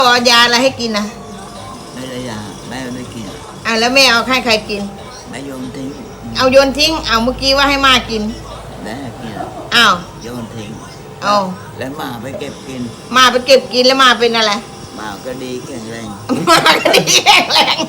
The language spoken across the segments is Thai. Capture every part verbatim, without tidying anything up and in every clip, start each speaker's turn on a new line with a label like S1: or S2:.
S1: เอายาอะไรให้กินนะ
S2: ไม่ได้ยาแม่ไม่กิน
S1: อ่ะแล้วแม่เอาให้ใครกิน
S2: แม่โยนทิ้ง
S1: เอาโยนทิ้งเอาเมื่อกี้ว่าให้มากิน
S2: แม่กิน
S1: อ้าว
S2: โยนทิ้ง
S1: เอา
S2: แล้วมาไปเก็บกิน
S1: มาไปเก็บกินแล้วมาเป็นอะไร
S2: มาก็ดีแข็งแรง
S1: มาก็ดีแข็งแรง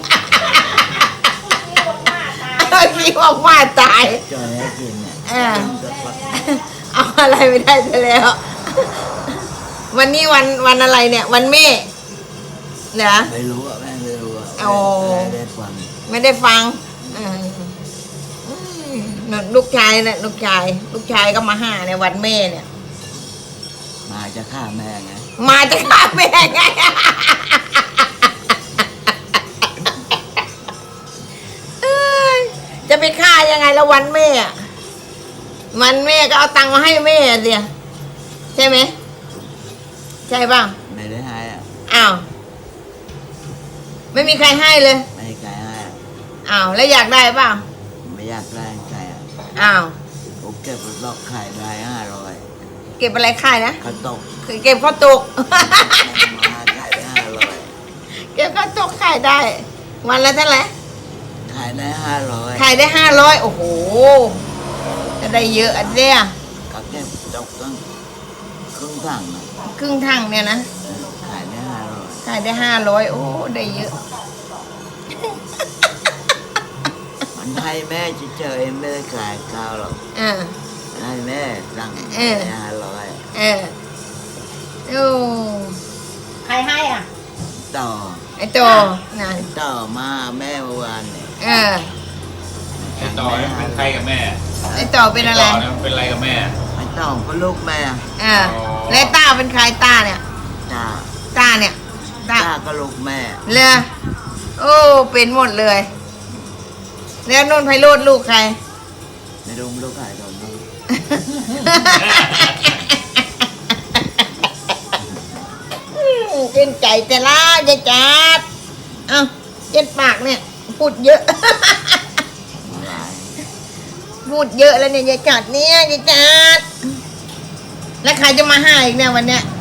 S1: ขี้บอกว่าตาย
S2: จอยให้กินเนี่ย
S1: เอาอะไรไม่ได้ซะแล้ววันนี้วันวันอะไรเนี่ยวันแม่เหรอ
S2: ไม่รู้อ่ะแม่ไม่รู้อ่ะไม่ได้ฟัง
S1: ไม่ได้ฟังลูกชายเนี่ยลูกชายลูกชายก็มาหาในวันแม่เนี่ย
S2: มาจะฆ่าแม่ไง
S1: มาจะฆ่าแม่ไงจะไปฆ่ายังไงแล้ววันแม่วันแม่ก็เอาตังค์มาให้แม่เดียใช่ไหมใช่ป่ะ
S2: ไม่ได้ให้อ่ะ
S1: อ้าวไม่มีใครให้เลย
S2: ไม่มีใครให้
S1: อ้าวแล้วอยากได้ป่ะ
S2: ไม่อยากได้ใครอ่ะ
S1: อ้าว
S2: ผมเก็บลอกไข่ได้ห้าร้อย
S1: เก็บอะไรขายนะ
S2: ข้าวตก
S1: เก็บข้าวตก
S2: มาขายได้ห้าร้อย
S1: เก็บข้าวตกขายได้วันละเท่าไหร่
S2: ขายได้ห้าร้อย
S1: ขายได้ห้าร้อยโอ้โหจะได้เยอะอันเนี้ย
S2: ก็เก็บตกตั้งครึ่งถังนะ
S1: ครึ่งถังเนี่ยนะ
S2: ขายได้ห้าร้อย
S1: ขายได้ห้าร้อยโอ้ได้เยอะ
S2: มันให้แม่เฉยๆไม่ได้ขายข้าวหรอก
S1: อ่า
S2: ให้แม่สั่งห้าร้อย
S1: เออโอ้ใครให้อ่ะ
S2: ต่อ
S1: ไอ้ต่อ
S2: นะต่อมาแม่เมื่อวานเนี่ย
S1: เออ
S3: ไอ้ต่อเป็นใครกับแม่
S1: ไอ้ต่อเป็นอะไร
S3: เป็นอะไรกับแม่
S2: ไอ้ต่อเป็นลูกแม่
S1: เออแล้วต้าเป็นใครต้าเนี่ย
S2: ต้า
S1: ต้าเนี่ย
S2: ต้าก็ลูกแม่
S1: เลยโอ้เป็นหมดเลยแล้วนุ่นไพโรจน์ลูกใคร
S2: ไม่รู้ลูกใครตอนนี้
S1: เป็นใจแต่ละยายจัดเอ้าเย็นปากเนี่ยพูดเยอะพูดเยอะแล้วเนี่ยยายจัดเนี่ยยายจัดแล้วใครจะมาหาอีกเนี่ยวันเนี้ย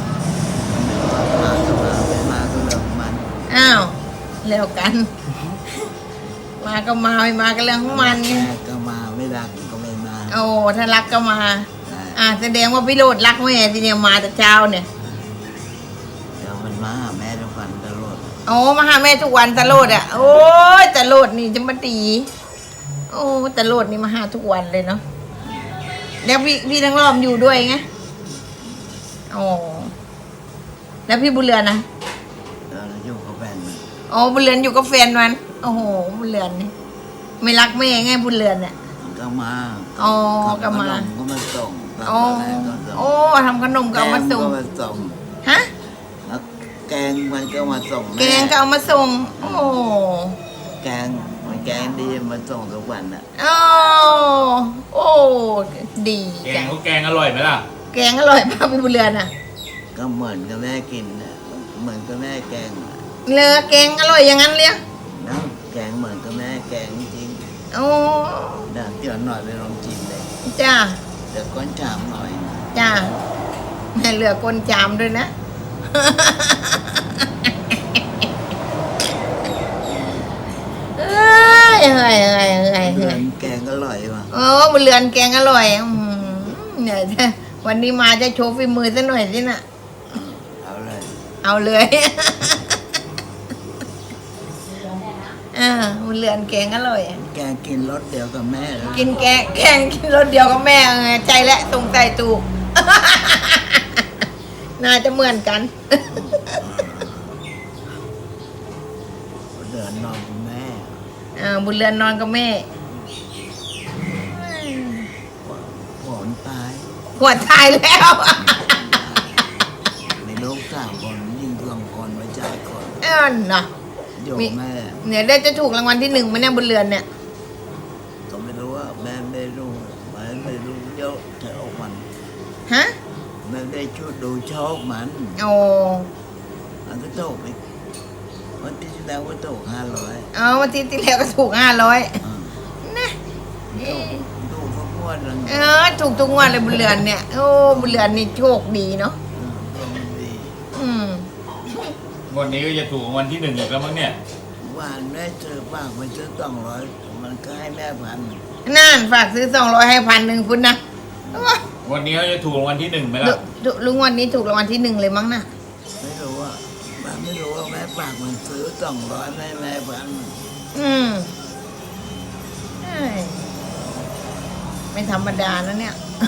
S1: อ้าวเร็วกันมาก็มาไม่มาก็เรื่องของมันไง
S2: ก็มาไม่รักก็ไม่มา
S1: โอ้ถ้ารักก็มาอ่าแสดงว่าพี่โรดรักแม่ทีเนี้ยมาแต่เช้าเนี่ย
S2: เดี๋ยวมันมาหาแม่ทุกวันตลอด
S1: โอ้มาหาแม่ทุกวันตลอดอ่ะโอ้ยตลอดนี่จะมาตีโอ้ตลอดนี่มาหาทุกวันเลยเนาะแล้วพี่พี่ทั้งรอบอยู่ด้วยไงโอ้แล้วพี่บุญเรือนนะ
S2: เอออยู่กับแฟนมัน
S1: โอ้บุญเรือนอยู่กับแฟนมันโอ้โหบุญเรือนนี่ไม่รักแม่ไงบุญเรือนเนี่ย
S2: ก็มา
S1: อ๋อก็มา
S2: ก็มาส่ง
S1: โอ้โอ้ทำขนมก็เอามาส่งฮะ
S2: แกงมันก็มาส่ง
S1: แกงก็เอามาส่งโอ้
S2: แกงมันแกงดีมาส่งทุกวันอ่ะ
S1: โอ้โอ้ดี
S3: แกงเขาแกงอร่อยไหมล่ะ
S1: แกงอร่อยมากพี่บุญเรือนอ่ะ
S2: ก็เหมือนกับแม่กินนะเหมือนกับแม่แกง
S1: เลอแกงอร่อยอย่างนั้นเลย
S2: นะแกงเหมือนกับแม่แกงจริง
S1: โอ้
S2: เดี๋ยวเดี๋ยวหน่อยไปลองชิมเลย
S1: จ้า
S2: เดี๋ยวก้นจามหน่อย
S1: จ้าแม่เหลือก้นจามด้วยนะเฮ้ยเฮ้ยเฮ้ยเฮ้ยเฮ้ย
S2: แกงอร่อยว่ะ
S1: โอ้บุญเรือนแกงอร่อยเนี่ยวันนี้มาจะโชว์ฝีมือซะหน่อยสิน่ะ
S2: เอาเลย
S1: เอาเลยอ่าบุญเรือนแกงอร่อย
S2: แกงกินรสเดียวกับแม่
S1: กินแกงแกงกินรสเดียวกับแม่ไงใจและตรงใจตูกน่าจะเหมือนกัน
S2: บุญเรือนนอนกับแม่
S1: อ่าบุญเรือนนอนกับแม่
S2: หัวตาย
S1: หัวตายแล้ว
S2: มีลูกสามคนยิงสองคนไว้ใจคน
S1: เออเนาะ
S2: มีแม่
S1: เนี่ยได้จะถูกรางวัลที่หนึ่งไหมเนี่ยบุญเรือนเนี่ย
S2: ก็ไม่รู้ว่าแม่ไม่รู้แม่ไม่รู้เยอะเท่ามัน
S1: ฮะ
S2: แม่ได้ชุดดูชอบมัน
S1: โอ้
S2: มันก็ถูกไปวันที่แล้วก็ถูกห้าร้อย
S1: อ๋อวันที่ที่แล้วก็ถูกห้าร้อยนะ
S2: ถูกทุกงวดเลย
S1: เออถูกทุกงวดเลยบุญเรือนเนี่ยโอ้บุญเรือนนี่โชคดีเนาะ
S2: ดี
S1: อืม
S3: วันนี้ก็จะถูกรางวันที่หนึ่งอีกแล้วมั้งเนี่ย
S2: หวานแม่ซื้อฝากไปซื้อสองร้อยมันก็ให้แม่พัน
S1: นั่นฝากซื้อสองร้อยให้พันหนึ่งคุณนะโอ้ย
S3: วันนี้ก็จะถูกรางวันที่หนึ่งไหม
S1: ลุ
S3: ล่ะ
S1: ลุลุงวันนี้ถูกรางวัลที่หนึ่งเลยมั้งนะ
S2: ไม่รู้ว่าแม่ไม่รู้ว่าแม่ฝากมันซื้อสองร้อยให้แม่พัน
S1: อืมเอ้ยไม่ธรรมดานะเนี่ย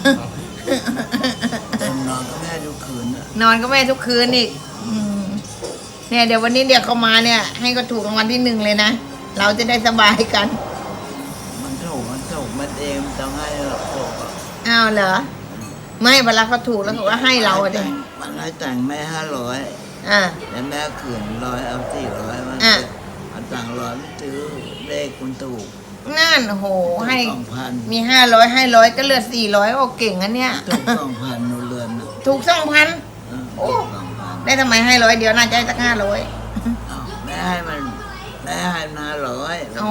S2: ผมนอนก็แม่ทุกคืนอะ
S1: นอนก็แม่ทุกคืนอีกอืมเนี่ยเดี๋ยววันนี้เดี๋ยวเขามาเนี่ย ให้ก็ถูกรางวัลที่หนึ่งเลยนะ เราจะได้สบายกัน
S2: มันถูกมันถูกมันเองต้องให้เราถูกอะ
S1: อ้าวเหรอ ไม่เวลาเขาถูกแล้วเขาก็ให้เราอะดิ
S2: มันให้แต่งแม่ห้าร้อย
S1: อ่า
S2: แล้วแม่ขืนร้อยเอาสี่ร้อยมัน
S1: อ่ะ
S2: เอาตังค์ร้อยไม่ซื้อเลขคุณถูก
S1: นั่นโอ้โห ให้
S2: สองพัน
S1: มีห้าร้อยให้ร้อยก็เหลือสี่ร้อยโอ้เก่งอันเนี้ย
S2: ถูกสองพันนูเรือนน่ะ
S1: ถูกสองพัน
S2: เออ
S1: โอ้
S2: ถูกสองพัน
S1: ได้ทำไมให้ร้อยเดียวน่าจะให้สักห้าร้อย
S2: อ้าวแม่ให้มันแม่ให้มันห้าร้อย
S1: โอ้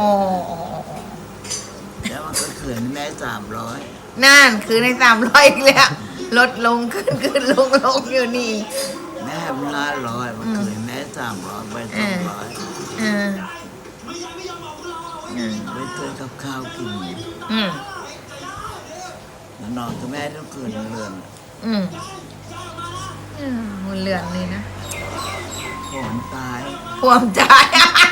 S2: แล้วมันก็ขืนแม่สามร้อย
S1: นั่นคือในสามร้อยอีกแล้วลดลงขึ้นขึ้นลงลงอยู่นี่
S2: แม่ให้มันห้าร้อยมันขืนแม่สามร้อยไปสองร้อย
S1: อ่าอืม
S2: ไปซื้อกับข้าวกิน
S1: อืม
S2: แล้วนอนกับแม่ทุกคืนเรือน
S1: อืมอืมมันเลือนเลยนะ
S2: ผมตาย
S1: พวมตาย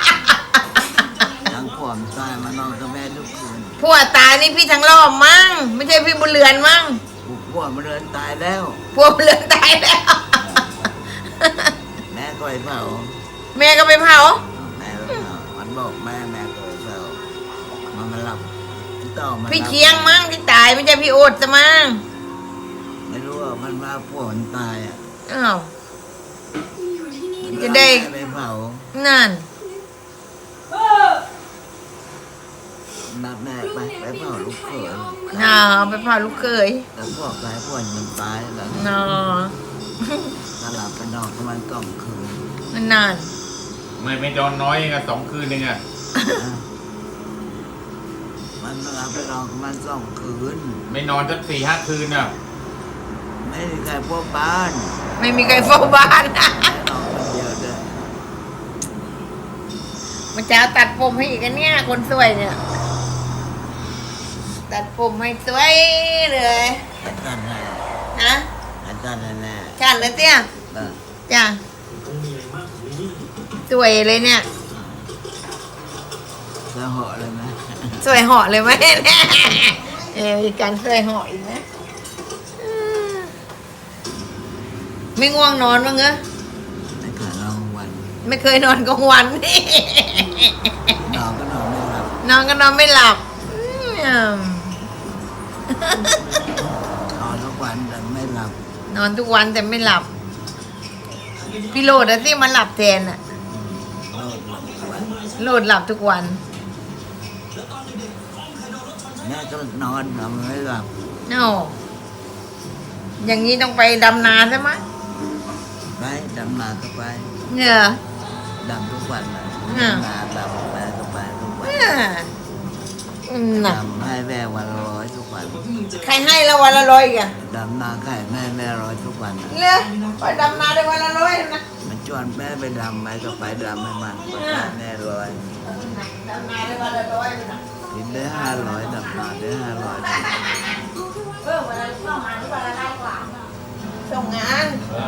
S2: ทั้งผมตายมานอนกับแม่ทุกคืน
S1: พวตายนี่พี่ทั้งรอบมั้งไม่ใช่พี่บุญเรือนมั้ง
S2: พวกมันเรือนตายแล้ว
S1: พวบุญเรือนตายแล้ว
S2: แม่ก็ไปเผา
S1: แม่ก็ไปเผา
S2: แม่ไปเผามันบอกแม่แม่ก็ไปเผามันมาหลับพี่ต่อมา
S1: พี่เคียงมั้งที่ตายไม่ใช่พี่โอดซะมั้ง
S2: ไม่รู้ว่ามันว่าพวกมันตายอ่ะ
S1: อ้าว จะได้
S2: แม่ไปเผา
S1: นั่น
S2: นัดแม่ไปไปเผาลูกเขย
S1: น่าไปเผาลูกเคย
S2: แล้วพวกตายพวกมันตายแล้ว
S1: น่า
S2: ถ้าหลับไปนอนก็มันกล่อมคืน
S1: มันนาน
S3: ไม่ไม่นอนน้อยเองอะสองคืนเองอะ
S2: มันหลับไปนอนก็มันสองคืน
S3: ไม่นอนสักสี่ห้าคืนอะ
S2: ไม่มีใครพวกบ้าน
S1: ไม่มีใครเฝ้าบ้าน
S2: แม่นอนคนเดียวเลย
S1: มันจะเอาตัดผมให้อีกอันเนี่ยคนสวยเนี่ย ตัดผมให้สวยเลย
S2: ไอ้ตันให้
S1: ฮะ
S2: ไอ้ตันให้แน่
S1: ชันเลยเตี้ย
S2: เออ
S1: จ้ะสวยเลยเนี่ย
S2: จะเหาะเลยไหม
S1: สวยเหาะเลยไหม เออมีการสวยเหาะอีกนะอืมไม่ง่วงนอนมั้งเหรอ
S2: ไม่ขาดนอนวัน
S1: ไม่เคยนอนกลางวัน
S2: นอนก็นอนไม่หลับ
S1: นอนก็นอนไม่หลับอืม
S2: นอนทุกวันแต่ไม่หลับ
S1: นอนทุกวันแต่ไม่หลับ พี่โรดอะที่มันหลับแทนอะ
S2: โลดหลับทุกวัน
S1: โรดหลับทุกวัน
S2: แม่ก็นอนนอนไม่หลับ
S1: โอ้อย่างนี้ต้องไปดำนาใช่ไหม
S2: ไปดำนาก็ไป
S1: เนี่ย
S2: ดำทุกวันเลย
S1: อ่า
S2: ดำนาดำแม่ก็ไปทุกวัน
S1: อ่าอืมน่ะ
S2: ดำให้แม่วันละร้อยทุกวัน
S1: ใครให้ละวันละร้อยอีกอะ
S2: ดำนาไข่แม่แม่ร้อยทุกวันนะ
S1: เลือไปดำนาได้วันละร้อยนะ
S2: มันชวนแม่ไปดำไหมก็ไปดำให้มันไปให้แม่ร้อย
S1: ดำนาได้วันละร้อยนะ
S2: กินได้ห้าร้อยดำนาได้ห้าร้อย
S1: เออวันละเข้ามาที่วันละได้กว่าส่งงาน